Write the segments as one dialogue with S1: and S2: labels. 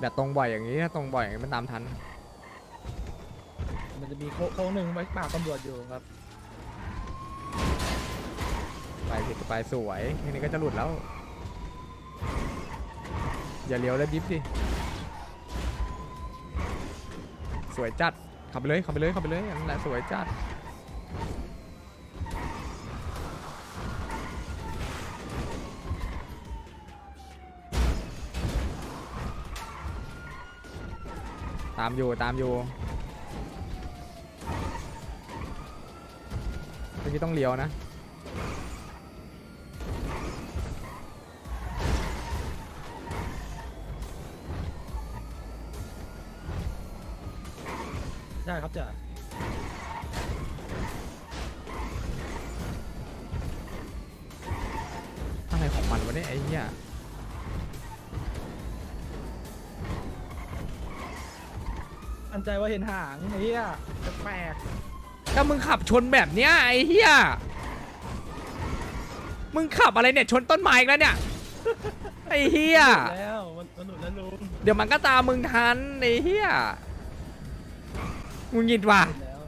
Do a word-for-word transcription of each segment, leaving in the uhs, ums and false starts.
S1: อย่าตรงบ่อยอย่างนี้ถ้าตรงบ่อยอย่างนี้มันตามทัน
S2: มันจะมีโค้งหนึ่งไว้ปราบตำรวจอยู่ครับ
S1: ไปผิดไปสวยทีนี้ก็จะหลุดแล้วอย่าเลี้ยวแล้วดิฟดิสวยจัดขับไปเลยขับไปเลยขับไปเลยนั่นแหละสวยจัดตามอยู่ตามอยู่เมื่อกี้ต้องเลี้ยวนะ
S2: ได้ครับจ่า
S1: อะไรของมันวะเนี่ยไอ้เหี้ย
S2: อันใจว่าเห็นหางไอ้เหี้ยแปลก
S1: ถ้ามึงขับชนแบบเนี้ยไอ้เหี้ยมึงขับอะไรเนี่ยชนต้นไม้อีกแล้วเนี่ยไอ้เหี้ย
S2: แล้วมันมันหลุดแล้วลุง
S1: เดี๋ยวมันก็ตามมึงทันไอ้เหี้ยมึงหงิดว่ะ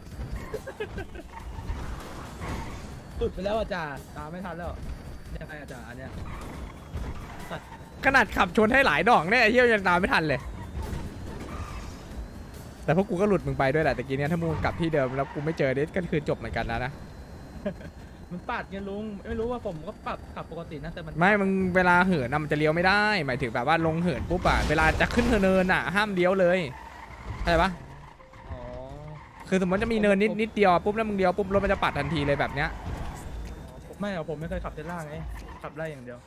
S2: หลุดไปแล้วอาจารย์ตามไม่ทันแล้วยังไงอาจารย์อันเนี้ย
S1: ขนาดขับชนให้หลายดอกเนี่ยไอ้เหี้ยยังตามไม่ทันเลยแต่พวกกูก็หลุดมึงไปด้วยแหละแต่กี้เนี้ยถ้ามึงกลับที่เดิมแล้วกูไม่เจอเด็ก็คือจบเหมือนกันนะนะ
S2: มันปัดไงลุงไม่รู้ว่าผมก็ปรับขับปกตินะแต่มัน
S1: ไม่มึงเวลาเหินน่ะมันจะเลี้ยวไม่ได้ หมายถึงแบบว่าลงเหินปุ๊บอะเวลาจะขึ้นเนินอะห้ามเลี้ยวเลยเข้าใจปะ
S2: อ๋อ
S1: คือสมมติจะมีเนินนิดนิดเดียวปุ๊บแล้วมึงเลี้ยวปุ๊บรถมันจะปัดทันทีเลยแบบเนี้ย
S2: ไม่เอาผมไม่เคยขับเทสลาไงขับไล่อย่างเดียว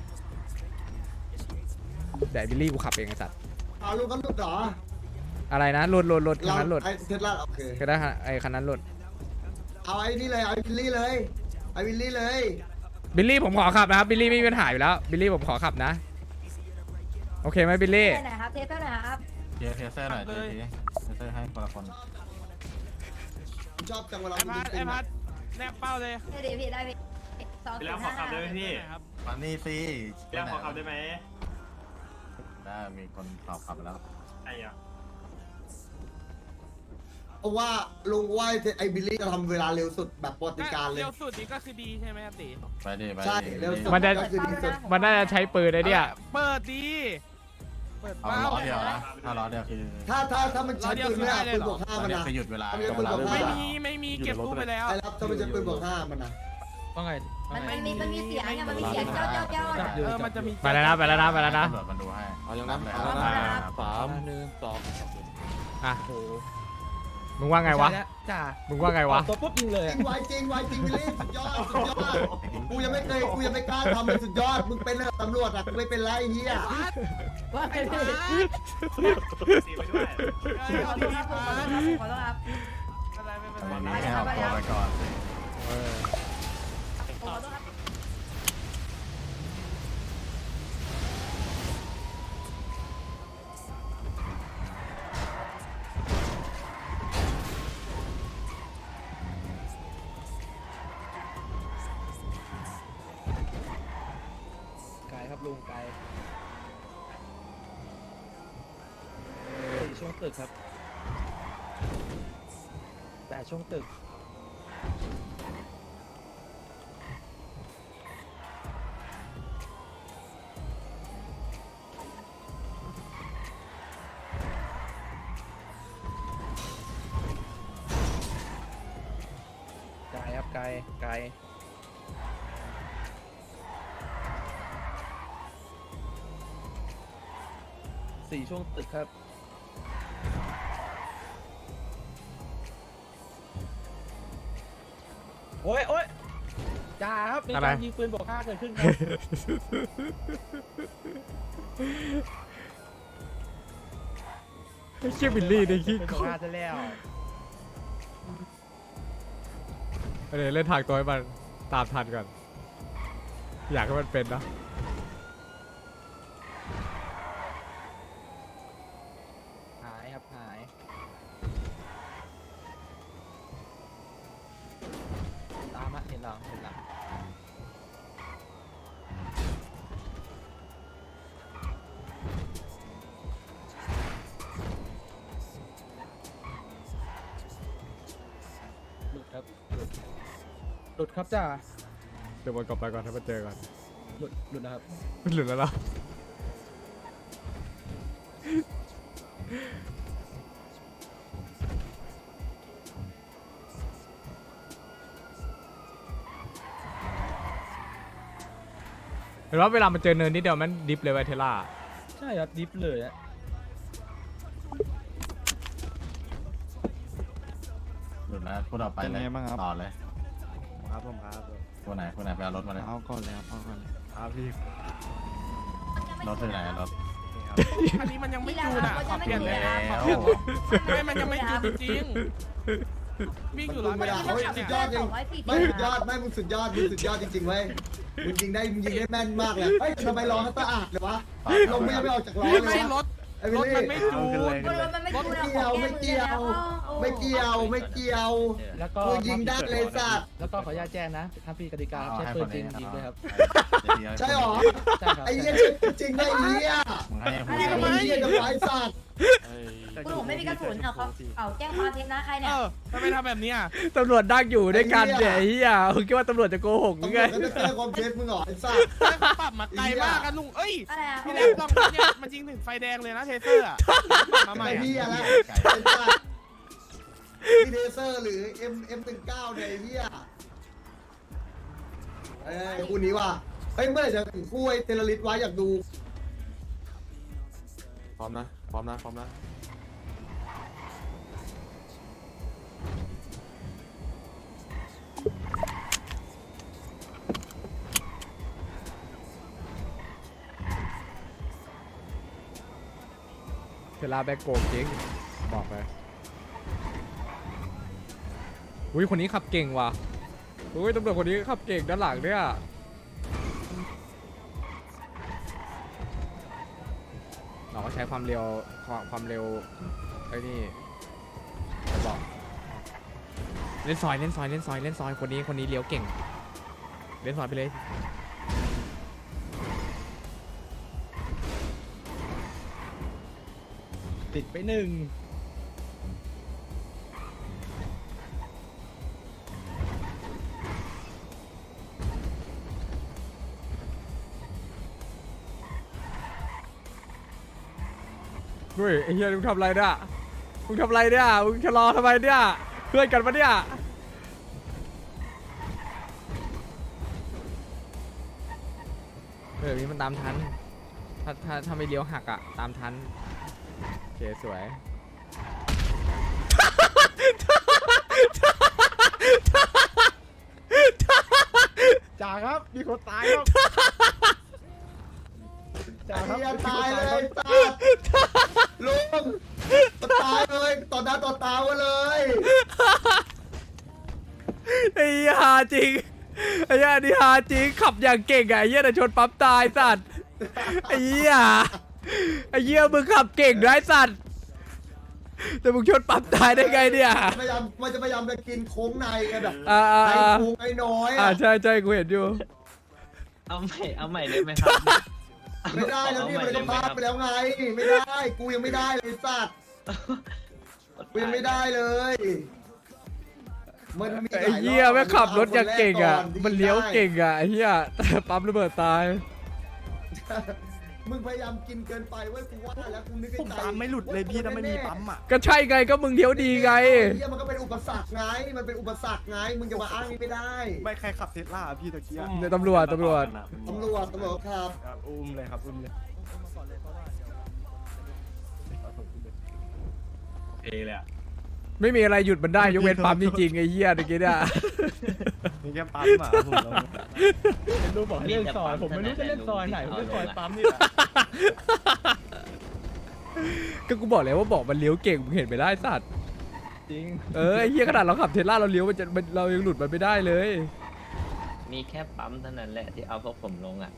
S1: เดี๋ยวบิลลี่กูขับเองไอ้สัตว์
S3: เอาลูกก็หลุดเหรอ
S1: อะไรนะหลุดหลุดหลุดคัน
S3: เรา
S1: นั้นหลุด
S3: ไอ้เทสลาโอเค
S1: ก็ได้ไอ้คันนั้นหลุด
S3: เอาไอ้นี่เลยเอาไอ้วิลลี่เลยไอ้วิลลี่เลย
S1: บิลลี่ผมขอขับนะครับบิลลี่ไม่มีปัญหาอยู่แล้วบิลลี่ผมขอขับนะโอเคไหมบิลลี่
S4: ไหนครับเทสเตอร์ไหนครับ
S5: เทียร์เทเซอร์หน่อยเทียร์เทเซอร์ให้คนละคน
S3: ชอบจังเวลา
S6: ไอพัดไอพัดแนบเป้าเลย
S4: ได้ดีพี่ได้พี่สอง
S6: ไป
S4: ศู
S6: แล้ว
S4: นย์
S6: ขอ
S4: ห้า
S6: ขับได้ไหมพี่
S5: มานี่สิ
S6: ไปแล้วขอขับได้ไหม
S5: ได้มีคนตอบขับแล้ว
S6: ไอ้อะ
S3: เพราะว่าลุงว่าไอ้บิลลี่จะทำเวลาเร็วสุดแบบปฏิการเลย
S6: เร็วสุดนี่ก็คือดีใช่ไหมครับตี
S5: ไปดิไป
S3: ใช่
S5: ดิ
S3: เร็วสุด
S1: มันจะ
S3: ก็คือดีสุด
S1: มันน่าจะใช้ปืนไอ้เนี่ย
S6: เปิดดีเปิด
S5: เอา
S6: เป้า
S5: ล้อเดียวนะถ้าล้อเดียวคือ
S3: ถ้าถ้าถ้ามันใช้ปืนไม่ได้ปืนบวกห้า
S5: ล้อ
S3: มัน
S5: เดียว
S3: นะ
S5: คือหยุดเวลา
S6: ไม่มีไม่มีเก็บตู้ไปแล้ว
S3: ไอ้รับถ้ามันใช้ปืนบวกห้ามันนะ
S2: ว่าไง
S4: มันมันมีมันมีเสียงไงมันมีเสียงเจ้าเจ้าเจ้า
S2: จับอยู่
S6: เออมันจะมี
S1: ไปแล้วนะไปแล้วนะไปแล้วนะ
S5: ตำรวจมันดูให้
S7: เอาอย่างนั้น
S5: เลย
S7: เอา
S5: ค
S7: แล้ว
S5: รับ
S7: นะสามหนึ่งสอง
S1: อ่ะ
S2: โอ้โห
S1: มึงว่าไงวะ
S2: ใช่แล้จ่า
S1: มึงว่าไงวะ
S2: ตัวปุ๊บยิงเลย
S3: จริงไวจริงไวจริงบิลลี่สุดยอดสุดยอดกูยังไม่เคยกูยังไม่กล้าทำเลยสุดยอดมึงเป็นเลยตำรวจอะกูไม่เป็นไรเฮีย
S4: ว่าไงพี่
S6: สีไปด้วย
S4: ขอโทษครับขอโทษครับขอโทษครับ
S6: อะไรไม่เป็น
S5: วัน
S6: ไร
S5: นี้ให้เอาตัวไปก่อน
S1: เออ
S4: ขอโทษครับ
S2: ไกลครับลุงไกลสี่ช่วงตึกครับแปดช่วงตึกไกลครับไกลไกลสี่ช่วงตึกครับโอ้ยโอ้ยจ่าครับมีการยิงปืนบอกห้าเกิดขึ้นครับ
S1: ไอ้เชี่ยบิลลี่ในขี้
S2: เป็น
S1: โค
S2: บอก
S1: ต
S2: ห้าร ซะแล้ว
S1: เดี๋ยวเล่นทางตัวให้มันตามทันก่อนอยากให้มันเป็นนะ
S2: หายครับหายตามมาเห็นหลังเห็นหลังลุดครับจ่า
S1: เดี๋ยววนกลับไปก่อนให้มาเจอก่อน
S2: หลุดหลุดนะครับ
S1: หลุดแล้วเหรอเห็นว่าเวลามันเจอเนินนิดเดียวมันดิฟเลยไวะเทล่า
S2: ใช่ครับดิฟเลยอะ
S5: หลุดแล้วพูดออกไปเลย
S7: เป็นไงบ้างครับ
S5: ต่อเลย
S7: ครับผมครับ
S5: คนไหนคนไหนไปเอารถมาเลย
S7: เอาก่อนเลยครับเอาก่อนเลยครับพี่
S5: รถที่ไหนรถ
S6: อันนี้มันยังไม่
S4: นี่แหละ
S6: จูน
S4: ครั
S6: อ่ะ
S4: บ
S6: ขอเปลี่ยนเลย
S5: แล้ว
S6: ขอเปลี่ยนไม่มันยังไม่จูนจริงๆวิ่งอยู่ร้อย
S3: ไม่
S6: เม
S3: ได้
S6: ตร
S3: เขา
S6: เนี่ย
S3: สุดยอดจริงไม่สุดยอดไม่มึงสุดยอดมึงสุดยอดจริงๆเว้ยมึงยิงได้มึงยิงได้แม่นมากเลยเฮ้ยทำไมล้อเขาสะอาดเลยวะลมไม่ยังไม่ออกจากล้อ
S6: ไม่
S3: เล
S6: ไม่
S3: ย
S6: รถ
S3: ไอ้
S6: ร
S3: วิล
S6: ถมัน
S3: ลี่
S6: ไม่จูน
S4: รถมันไม่จูน
S3: ไม่
S4: อะ
S3: เกี่ยวไม่เกี่ยวไม่เกี่ยวไม่เกี่ยว
S2: แล้วก็
S3: กูยิงได้เลยสัตว์
S2: แล้วก็ขออนุญาตแจ้งนะถ้าพี่กติกาครับใช้ปืนจริงยิงด้วยครับ
S3: ใช่หรอ
S2: ใช่ครับ
S3: ไอ้เหี้ยจริงไอ้เหี้ย
S5: มึงให้พูด
S3: ไอ้เหี้ยจะไฟสัตว์
S4: คุณผมไม่มีกระสุนเอาเขาเอาแจ้งความเท็จนะใคร
S6: เอ
S4: เนี่ย
S6: อทำไมทำแบบเนี้ย
S1: ตำรวจดักอยู่ด้วยกันเนี่ยไอ้เฮียคุณคิดว่าตำรวจจะโกหกหรือ
S3: ตำร
S1: ไง
S3: วจก็จะแก้ความเท็จมึงเหรอไอ้สัตว์
S6: ปรับมาไกลมากกันลุงเอ้ย
S4: อะไรอะ
S6: พี่แรกลองเนี่ยมันยิงถึงไฟแดงเลยนะเทเซอร์อ่ะมาใหม่
S3: ไอ้
S6: อะ
S3: เหี้ยละไอ้สัตว์มีเดเซอร์หรือ M M หนึ่งเก้าเนี่ยไอ้เหี้ยเอ้ยคู่นี้ว่ะเฮ้ยเมื่อไหร่จะถึงคู่ไอ้เทเลริสไว้อยากดู
S8: พร้อมนะ พร้อมนะ พร้อมนะ
S1: เทล่าแบ็กโกงจริงบอกไปอุ้ยคนนี้ขับเก่งว่ะอุ้ยตำรวจคนนี้ขับเก่งด้านหลังเนี่ยเราก็ใช้ความเร็วความความเร็วไอ้นี่บอกเล่นซอยเล่นซอยเล่นซอยเล่นซอยคนนี้คนนี้เลี้ยวเก่งเล่นซอยไปเลย
S2: ติดไปหนึ่ง
S1: เฮ้ยไอ้เหี้ยมึงทำอะไรเนี่ยมึงทำอะไรเนี่ยมึงชะลอทำไมเนี่ยเพื่อนกันปะเนี่ยเออนี้มันตามทันถ้าถ้าถ้าไม่เลี้ยวหักอะตามทันโอเคสวย
S2: จ่าครับมีคนตายครับจ่า
S3: ไอ้
S2: ครับ
S3: เหี้ยตายเลยสัตว์ลุงตายเลยต่อหน้าต่อตาไว้เลย
S1: ไอ้เหี้ยหาจริงไอ้เหี้ยนี่หาจริงขับอย่างเก่งอะไอ้เหี้ยแต่ชนปั๊มตายสัตว์ไอ้เหี้ยไอ้เหี้ยมึงขับเก่งนะไอ้สัตว์แต่มึงชนปั๊มตายได้ไงเนี่ย
S3: พยายามมันจะพยายามจะกินโค้งในไงแบบ
S1: อ่าอ่า
S3: ไอ้
S1: อ่า
S3: พุงไอ้น้อย
S1: อ่า
S3: อ่ะ
S1: ใช่ใช่กูเห็นอยู่
S9: เอาใหม่ เอาใหม่เลยไหมครับ
S3: ไม่ได้แล้วนี่มันก็พลาดไปแล้วไง ไม่ได้กูยังไม่ได้เลยสัตว์กูยังไม่ได้เลยมันมีหลา
S1: ไอ้
S3: รอบ
S1: เหี้ยแม่งขับรถอย่างเก่งอ่ะ
S3: าคแร
S1: มันเลี้ยวเก่งอ่ะไอ้เหี้ยแต่ปั๊มระเบิดตาย
S3: มึงพยายามกินเกินไปเว้ยกูว่าแล้วกูนึกใน
S7: ผม
S3: ใจ
S7: ปั๊มไม่หลุดเลยพี่ถ้าไม่มีปั๊มอ่ะ
S1: ก็ใช่ไงก็มึงเลี้ยวดีไง
S3: เหี้ยมันก็เป็นอุปสรรคไง มันเป็นอุปสรรคไง มึงจะมาอ้างนี่ไม่ได้
S7: ไม่ใครขับเทสลาพี่ตะเกียบ
S1: เนี่ยตำรวจตำรวจ
S3: ตำรวจตำรวจครับ
S7: ครับอุ้มเลยครับอุ้มเลย
S9: เอเลยอ่ะ
S1: ไม่มีอะไรหยุดมันได้ยกเว้นปั๊มจริงๆไอ้เหี้ยตะกี้เนี่ย
S7: มีแค่ปั๊มอ่ะผมลอง
S2: เป็นรูปบอกให้เล่นซอยผมไม่รู้จะเล่นซอยไหนผมเล่นซอยปั๊มนี่แหละ
S1: ก็กูบอกแล้วว่าบอกมันเลี้ยวเก่งมึงเห็นไปได้สัตว์
S2: จริง
S1: เออไอ้เหี้ยขนาดเราขับเทสลาเราเลี้ยวมันจะมันเรายังหลุดมันไม่ได้เลย
S9: มีแค่ปั๊มเท่านั้นแหละที่เอาพวกผมลงอ่ะ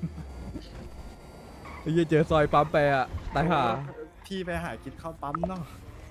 S1: ไอ้เหี้ยเจอซอยปั๊มไปอ่ะตายห่า
S7: พี่ไปหากินข้าวปั๊มเนาะ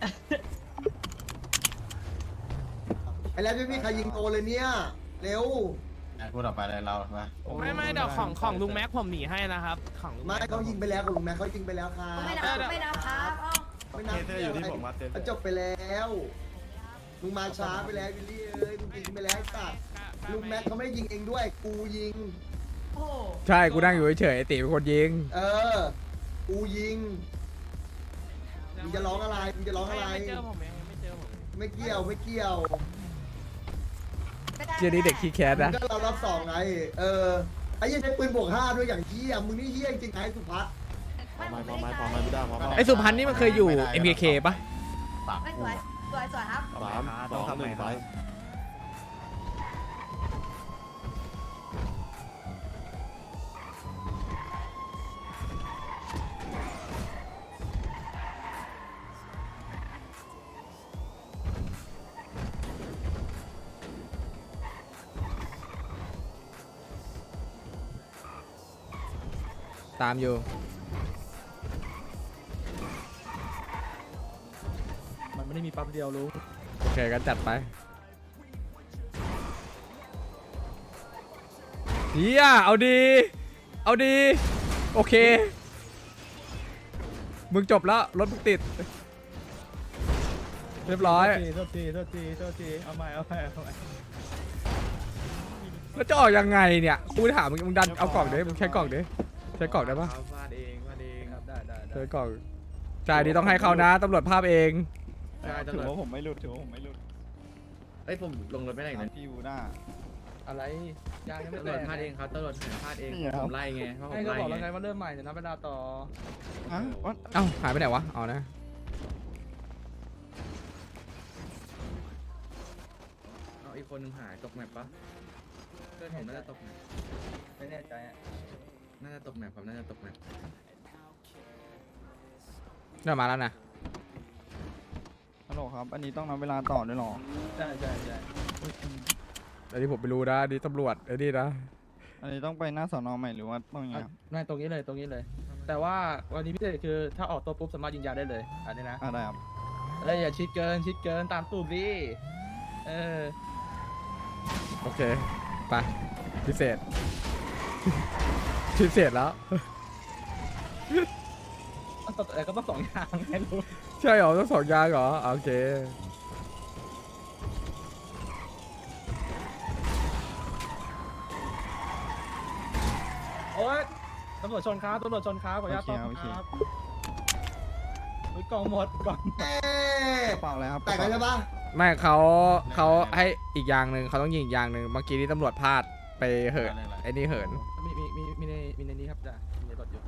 S3: ไอ้แล้วไม่มีใครยิงโตเลยเนี่ย เร็ว
S5: พูดออกไปเลยเรามา
S6: ไม่ไม่เดี๋ยวของของลุงแม็กผมหนีให้นะครับของลุง
S3: ไม่
S6: แม็ก
S3: เขายิงไปแล้วกับลุงแม่เขายิงไปแล้วครับ
S4: ไม่นับไม่นับครับเอ้า
S3: ไม่นับ
S7: เทสอยู่ที่ผมมาเทส
S3: จบไปแล้ว มึงมาช้าไปแล้ววิลลี่เอ้ย มึงยิงไปแล้วไอ้สัตว์ลุงแม็กเขาไม่ยิงเองด้วย กูยิง
S4: โอ้โห
S1: ใช่กูนั่งอยู่เฉยๆไอ้ตีเป็นคนยิง
S3: เออ กูยิง มึงจะร้องอะไร มึงจะร้องอะไร
S6: ไม่เจอผมเองไม่เจอผม
S3: ไม่เกี่ยว ไม่เกี่ยว
S4: ไม่ได้
S1: เจนี่เด็กขี้แคส
S3: มึง
S1: นะ
S3: ก็เรารับสองไง เออ ไอ้เหี้ยังใช้ปืนบวกห้าด้วยอย่างเหี้ยมึงนี่เหี้ยจริงๆไอ้สุพัฒน์
S8: พร้อมไหมพร้อมไหมพร้อมไหมไม่ได้พร้อมไหม
S1: ไอ้สุพันธ์นี่มันเคยอยู่ เอ็ม เค เค ปะ
S5: สาม
S4: ไม่ส
S5: คู่
S4: วยสวยสวยครับ
S8: สามสองหนึ่งไป
S1: ตามอยู่
S2: มันไม่ได้มีปั๊มเดียวรู้
S1: โอเคก็จัดไปเฮียเอาดี เอาดี โอเค มึงจบแล้ว รถมึงติด เรียบร้อย
S2: โทษทีโทษทีโทษทีเอาใหม่เอาใหม่เอาใหม่
S1: แล้วจะออกยังไงเนี่ย กูถามมึงมึงดันเอากล่องดิมึงใช้กล่องดิใช้กล่องได้ปะ
S7: วาดเองวาดเอง
S2: ครับได้ได้ได้
S1: ใช้กล่องจ่ายดีต้องให้เขานะตำรวจภาพเอง
S7: ถือว่าผมไม่หลุดถือว่าผมไม่หลุด
S9: เอ้ยผมลงรถไม่ได้อีกนะ
S7: พี่ยูหน้า
S2: อะไรยางยังไม่
S9: ตำร
S2: แต
S9: วจ
S2: ก
S9: พลาดเองครับตำรวจพลาดเอง
S7: นี่ครับ
S9: ผมไล่ไงเพราะผ
S2: ให้
S9: ม
S2: ก็
S9: ไล่
S2: บอกแล้ว
S9: ไง
S2: ไงว่าเริ่มใหม่เดี๋ยวนับเวลาต่อ
S7: ฮะวัด
S1: เอ้าหายไปไหนวะเอานะ
S9: เอาอีกคนนึงหายตกแมปปะเพื่อนผมน่าจะตกแมป
S2: ไม่แน่ใจอะ
S9: น่าจะตกแมปครับน่าจะตกแมป
S1: เริ่มมาแล้วนะ
S7: ฮัลโหลครับ อันนี้ต้องนับเวลาต่อด้วยเหรอ
S2: ใช่ใช่ใช่
S1: อันนี้ผมไม่รู้นะอันนี่ตำรวจไอ้นี่นะ
S7: อันนี้ต้องไปหน้าสอนอใหม่หรือว่าต้องยังไงครับ
S2: ไม่ตรงนี้เลยตรงนี้เลย แต่ว่าวันนี้พิเศษคือถ้าออกตัวปุ๊บสามารถยิงยาได้เลยอันนี้นะ
S7: อ่าได้ครับ
S2: แล้วอย่าชิดเกินชิดเกินตามตูดดิเออ
S1: โอเคไปพิเศษ พิเศษแล้ว
S2: แต่ก็ต้องสองอย่างไงรู้
S1: ใช่เหรอต้องสองอยางเหรอโอเค
S2: โอ๊ยตำรวจชนครับตำรวจชนครับขออนุญาตต้อม
S7: โอเค
S2: ครับอุ๊ยกล่องหมดกล่อง
S3: เอ๊ะ
S7: กระเป๋าอะไรครับ
S3: แต่งกันใช่ปะ
S1: ไม่เขาเขาให้อีกอย่างหนึ่งเขาต้องยิงอีกอย่างหนึ่งเมื่อกี้ที่ตำรวจพลาดไปเหินไอ้นี่เหิน
S2: มีมีมีมีในมีในนี้ครับจ้ะมีในรถอยู่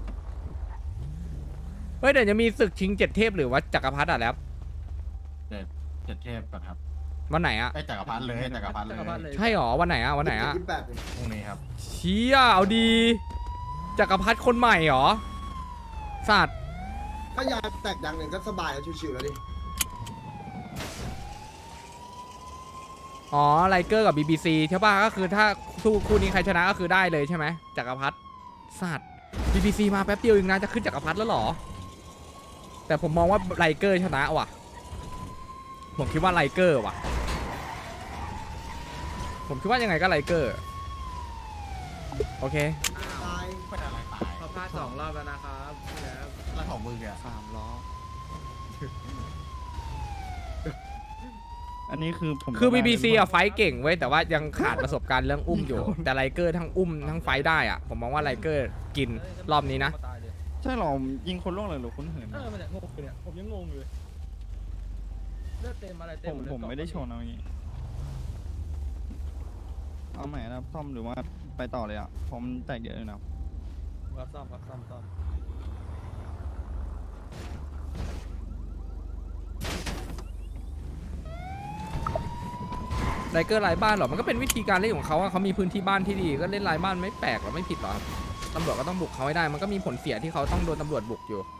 S1: เฮ้ยเดี๋ยวจะมีศึกชิงเจ็ดเทพหรือว่าจักรพรรดิอ่ะแล้ว
S5: เจ็ดเจ็ดเทพก่อนครับ
S1: วันไหนอ่ะ
S5: ไอ้จักรพรรดิเลยจักรพรรดิ
S2: จักรพรรดิ
S5: เล
S2: เลย ย
S1: ใช่หรอวันไหนอ่ะวันไหนอ่ะ
S3: ยี่สิบแปดเลย
S5: พรุ่งนี้ครับ
S1: เชี่ยเอาดีจักรพรรดิคนใหม่หรอสัตว์
S3: ถ้ายางแตกยางหนึ่งก็สบายแล้วชิวๆแล้วดิ
S1: อ๋อไลเกอร์กับ บี บี ซี ใช่ป่ะก็คือถ้าคู่คู่นี้ใครชนะก็คือได้เลยใช่ไหมจักรพรรดิสัตว์ บี บี ซี มาแป๊บเดียวเองนะจะขึ้นจักรพรรดิแล้วเหรอแต่ผมมองว่าไลเกอร์ชนะว่ะผมคิดว่าไลเกอร์ว่ะผมคิดว่ายังไงก็ไลเกอร์โอเค
S3: ตาย
S5: ไม่ได้อะไรตาย
S9: เขาพลาดสองรอบแล้วนะครับแล้ว
S5: แล้วของมึงเนี่ย
S7: สามล้อ อันนี้คือผม
S1: คือ บี บี ซี
S7: ได้
S1: อะไฟท์เก่งเว้ยแต่ว่ายังขาดประสบการณ์เรื่องอุ้มอยู่ แต่ไลเกอร์ทั้งอุ้มทั้งไฟท์ได้อะผมมองว่าไลเกอร์กินรอบนี้นะ
S2: ตายเลย
S7: ใช่เหรอยิงคนล่วงเลยหรือคนเหิน
S2: เออมันเนี่ยงงอยู่เนี่ยผมยังงงอยู่เลยเลือดเต็มอะไรเต็
S7: ผม ม
S2: หดเลย
S7: ผมไม่ได้ชนเอาอย่างงี้ เอาใหม่นะครับซ่อมหรือว่าไปต่อเลยอ่ะ ผมแตกเยอะเลยนะครับ
S2: รับซ่อมรับซ่อมซ่อม
S1: ไลเกอร์ไร้บ้านเหรอมันก็เป็นวิธีการเล่นของเขาอะเขามีพื้นที่บ้านที่ดีก็เล่นไร้บ้านไม่แปลกหรอไม่ผิดหรอครับตำรวจก็ต้องบุกเขาให้ได้มันก็มีผลเสียที่เขาต้องโดนตำรวจบุกอยู่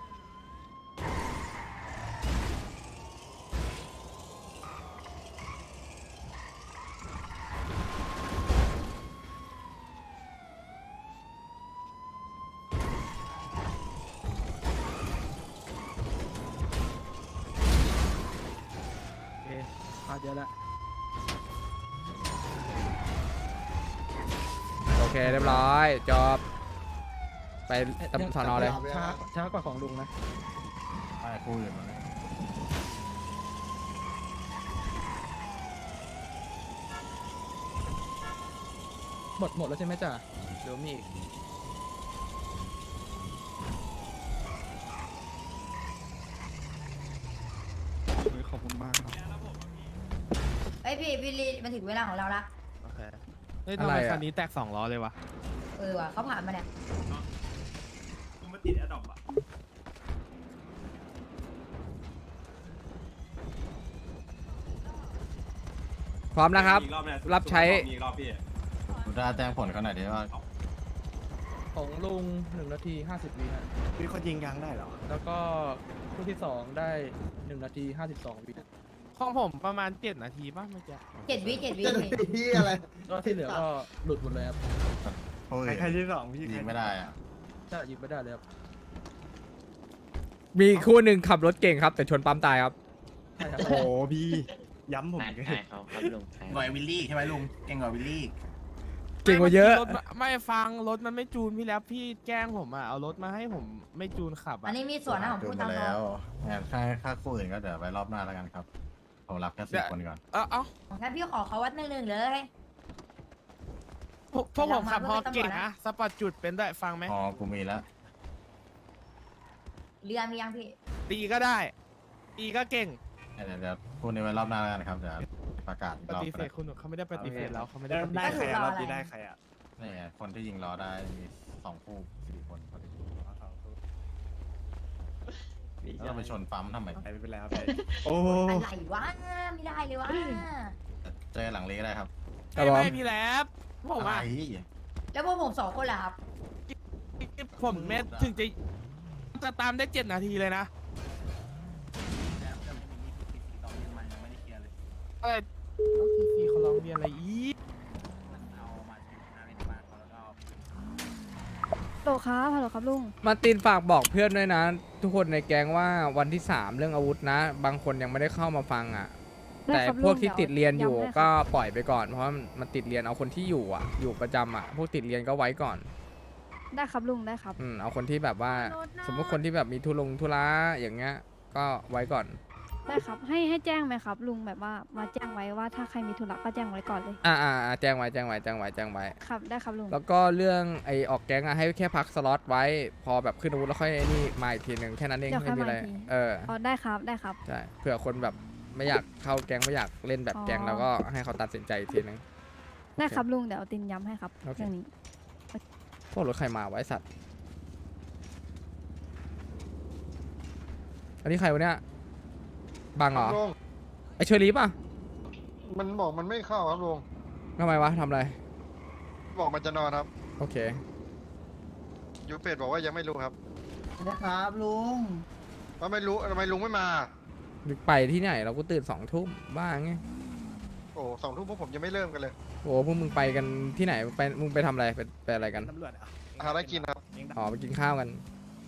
S2: โอเคพลาดเยอะแล้ว
S1: โอเคเรียบร้อยจบไปตำสอนอเลย
S2: ช้าช้ากว่าของลุงนะ
S5: ไอ้คู่อื่นมาเลย
S2: หมดหมดแล้วใช่ไหมจ่าเดี๋ยวมีอีก
S7: ขอบคุณมากครับ
S4: ไอยพี่พี่ลีมันถึงเวลาของเราละ
S6: โอเคเฮ้ยทำไมคันนี้แตกสองล้อเลยวะ
S4: เออว่ะเขาผ่านมาเนี่ย
S1: พร้อมนะครับ รับใช้
S5: คุณได้แจ้งผลเขาหน่อยดิว่า
S2: ของลุงหนึ่งนาทีห้าสิบวิฮะ
S8: พี่เขายิงยางได้เหรอ
S2: แล้วก็คู่ที่สองได้หนึ่งนาทีห้าสิบสองวิ
S6: ของผมประมาณเจ็ดนาทีป่ะเมื่อกี้
S4: เจ็ดวิเจ็ดวิ
S3: จะ
S4: พี่
S3: ที่อะไร
S2: ก็ที่เหลือก็หลุดหมดเลยครับ
S5: โอ้ย
S8: ใครที่สองพี่
S5: ยิงไม่ได้อะ
S2: ถ้ายิงไม่ได้เลยครับ
S1: มีคู่หนึ่งขับรถเก่งครับ แต่ชนปั๊มตายครับ
S2: ใช่ครับ
S8: โอ้โหพี่ย้ำผมอีกเลย
S5: หน่วยวิลลี่ใช่ไหมลุงเก่งกว่าวิลลี่
S1: เก่งกว่าเยอะ
S6: รถมันไม่ฟังรถมันไม่จูนพี่แล้วพี่แกล้งผมอ่ะเอารถมาให้ผมไม่จูนขับ
S4: อั
S6: อ่ะ
S4: นนี้มีส่วนนะของ
S5: ดู
S4: พูด
S5: มา
S4: ตามตร
S5: แล้
S4: ง
S5: วงานค่าค่าคู่อื่นก็เดี๋ยวไปรอบหน้าแล้วกันครับผมรับแค่สิบคนก่อน
S6: เอ้าเอ้า
S4: งั้นพี่ขอเขาวัดหนึ่งหนึ่งเลย
S6: พวกพวกผมขับ
S4: แต่
S6: ฮอ
S4: เรามา
S6: เก่ง
S4: เพื่อเป็นตำรวจนะ
S6: นะสปอร์ตจุดเป็นด้วยฟังไหม
S5: อ๋อกูมีแล้ว
S4: เรือมียังพี่
S6: ตีก็ได้ตีก็เก่ง
S5: เดี๋ยวเดี๋ยวคู่นี้ไว้รอบหน้าแล้วกันครับเดี๋ยวประกาศอีก
S6: ป
S5: รอบ
S6: ฏิ
S5: ก็
S6: เส
S5: ได้
S6: ธคุณเขาไม่ได้ปฏิเสธเราเขาไม่ได้
S8: ได้
S6: ปฏิ
S8: ได้
S6: เสธ
S8: ใครอะรอบนี้ได้ใครอะ
S5: นี่ไงคนที่ยิงล้อได้มีสองคู่สี่คนพอดีแล้วเราไปชนปั๊มทำไม
S8: ไปไม่เป็นไรครับไปโอ้
S4: อะไรวะไม่ได้เลยวะ
S5: เจอหลังเลก็ได้ครับ
S1: ครับ
S6: ไม่
S1: ผม
S6: ไม่พี่แล้ผม
S5: อะไร
S6: อ่ะ
S4: แล้วพวกผมสองคนล่ะครับ
S6: ผมเม็ดถึงจะจะตามได้เจ็ดนาทีเลยนะอะไรพี่เขาร้องเรียนอะไรอีก
S10: ฮัลโหลครับฮัลโหลครับลุง
S1: มาร์ตินฝากบอกเพื่อนด้วยนะ ทุกคนในแก๊งว่าวันที่สามเรื่องอาวุธนะ บางคนยังไม่ได้เข้ามาฟังอ่ะ
S10: ได้
S1: แต่
S10: ครับ
S1: พวก
S10: ลุง
S1: ที่
S10: เดี๋ยว
S1: ติดเรียนอยู่
S10: ย้ำให้ครับ
S1: ก็ปล่อยไปก่อน เพราะว่ามันติดเรียนเอาคนที่อยู่อ่ะ อยู่ประจำอ่ะ พวกติดเรียนก็ไว้ก่อน
S10: ได้ครับลุงได้ครับ
S1: อืมเอาคนที่แบบว่า สมมติคนที่แบบมีทุลงทุระอย่างเงี้ย ก็ไว้ก่อน
S10: ได้ครับให้ให้แจ้งไหมครับลุงแบบว่ามาแจ้งไว้ว่าถ้าใครมีธุระก็แจ้งไว้ก่อนเลย
S1: อ่าอ่าอ่าแจ้งไว้แจ้งไว้แจ้งไว้แจ้งไว้
S10: ครับได้ครับลุง
S1: แล้วก็เรื่องไอออกแก๊งอะให้แค่พักสล็อตไว้ พอแบบขึ้นอาวุธแล้วค่อยไอ้นี่มาอีกทีหนึ่งแค่นั้นเอง
S10: เดี๋ยวค่
S1: ไม่
S10: อย
S1: มีอะไร
S10: มาอีกที
S1: เออ
S10: อ๋อได้ครับได้ครับ
S1: ใช่เผื่อคนแบบไม่อยากเข้าแก๊งไม่อยากเล่นแบบแก๊ง
S10: อ๋อ
S1: แล้วก็ให้เขาตัดสินใจอีกทีนึง
S10: ได้ครับลุงเดี๋ยวตินย้ำให้ครับ
S1: โอเค
S10: เรื่องนี้
S1: พวกรถใครมาไวะไอ้สัตว์ อันนี้ใครวะเนี่ยบังเหรอ
S11: ลุง
S1: ไอเชอรี่ป่ะ
S11: มันบอกมันไม่เข้าครับลุง
S1: ทำไมวะทำอะไร
S11: บอกมันจะนอนครับ
S1: โอเค
S11: ยูเฟดบอกว่ายังไม่รู้ครับ
S3: นะครับลุง
S11: ว่าไม่รู้ทำไมลุงไม่มา
S1: ไปที่ไหนเราก็ตื่นสองทุ่มบ้าไง
S11: โอ้สองทุ่มพวกผมยังไม่เริ่มกันเลย
S1: โอ้พวกมึงไปกันที่ไหนไปมึงไปทำอะไรไปไปอะไรกัน
S8: ตำรวจอะ
S11: หาอะไรกินครับ
S1: อ๋อไปกินข้าวกัน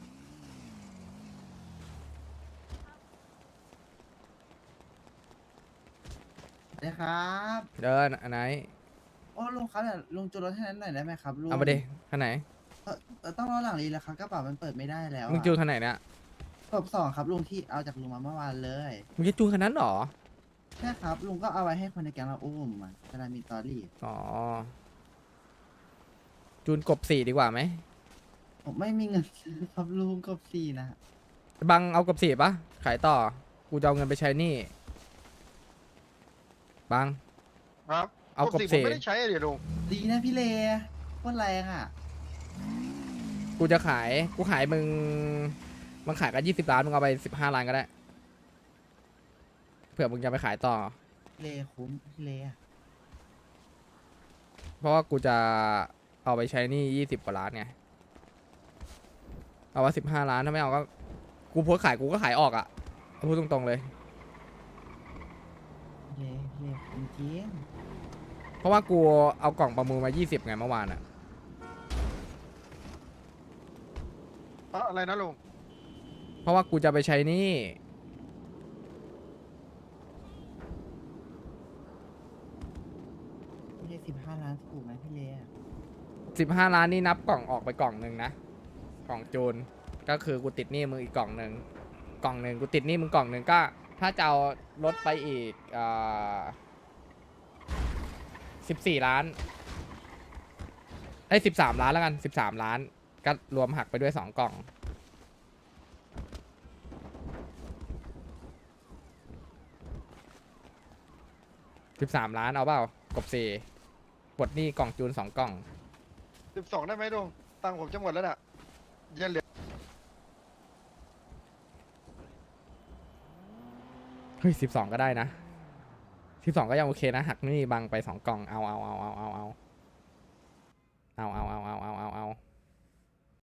S3: นะครับ
S1: เดินอันไหน
S3: โอ้ลุงครับลุงจูรถให้นั้นหน่อยได้ไหมครับลุง
S1: เอาไปดิคันไหน
S3: ต้องรอหลังรีแล้วครับกระเป๋ามันเปิดไม่ได้แล้ว
S1: มึงจูนคันไหนเนี่ย
S3: กบสองครับลุงที่เอาจากลุงมาเมื่อวานเลย
S1: มึงจะจูนคันนั้นเหรอ
S3: ใช่ครับลุงก็เอาไว้ให้คนในแก๊งเราอุ้มอ่ะเวลามีตอรี่
S1: อ๋อ จูนกบสี่ดีกว่าไหม
S3: ผมไม่มีเงินซื้อครับลุงกบสี่นะ
S1: บังเอากบสี่ปะขายต่อ กูจะเอาเงินไปใช้หนี่ บัง
S11: ครับ
S1: เอากบ
S11: ผม
S1: สี่
S11: ไม่ได้ใช้อะเดี๋ยวลุง
S3: ดีนะพี่เลโคตรแรงอ่ะ
S1: กูจะขาย กูขายมึง มึงขายกันยี่สิบล้าน มึงเอาไปสิบห้าล้านก็ได้ เผื่อมึงจะไปขายต่อ
S3: เลคุ้มพี่เลอะ
S1: เพราะว่ากูจะเอาไปใช้หนี่ยี่สิบกว่าล้านไง เอาว่าสิบห้าล้านถ้าไม่เอาก็ กูโพสต์ขายกูก็ขายออกอะ่ะเอาพูดตรงๆเลย
S3: เลเลคุ้มจริง
S1: เพราะว่ากูเอากล่องประมูลมายี่สิบไงเมื่อวานอะ่ะ
S11: อะอะไรนะลุง
S1: เพราะว่ากูจะไปใช้หนี่
S3: พี่เลสิบห้าล้านถูกไหมพี่เลอะ
S1: สิบห้าล้านนี่นับกล่องออกไปกล่องหนึ่งนะ กล่องจูน ก็คือกูติดหนี้มึงอีกกล่องหนึ่ง กล่องหนึ่งกูติดหนี้มึงกล่องหนึ่งก็ ถ้าจะเอาลดไปอีกสิบสี่ล้านไอ้สิบสามล้านแล้วกันสิบสามล้านก็รวมหักไปด้วยสองกล่องสิบสามล้านเอาเปล่ากบสี่ปลดหนี้กล่องจูนสองกล่อง
S11: สิบสองได้ไหมลุงตังค์ผมจะหมดแล้วน่ะยังเหลือ
S1: เฮ้ยสิบสองก็ได้นะสิบสองก็ยังโอเคนะหักหนี่บังไปสองกล่องเอาเอาเอาเอาเอาเอาเอาเอาเอาเอาเอา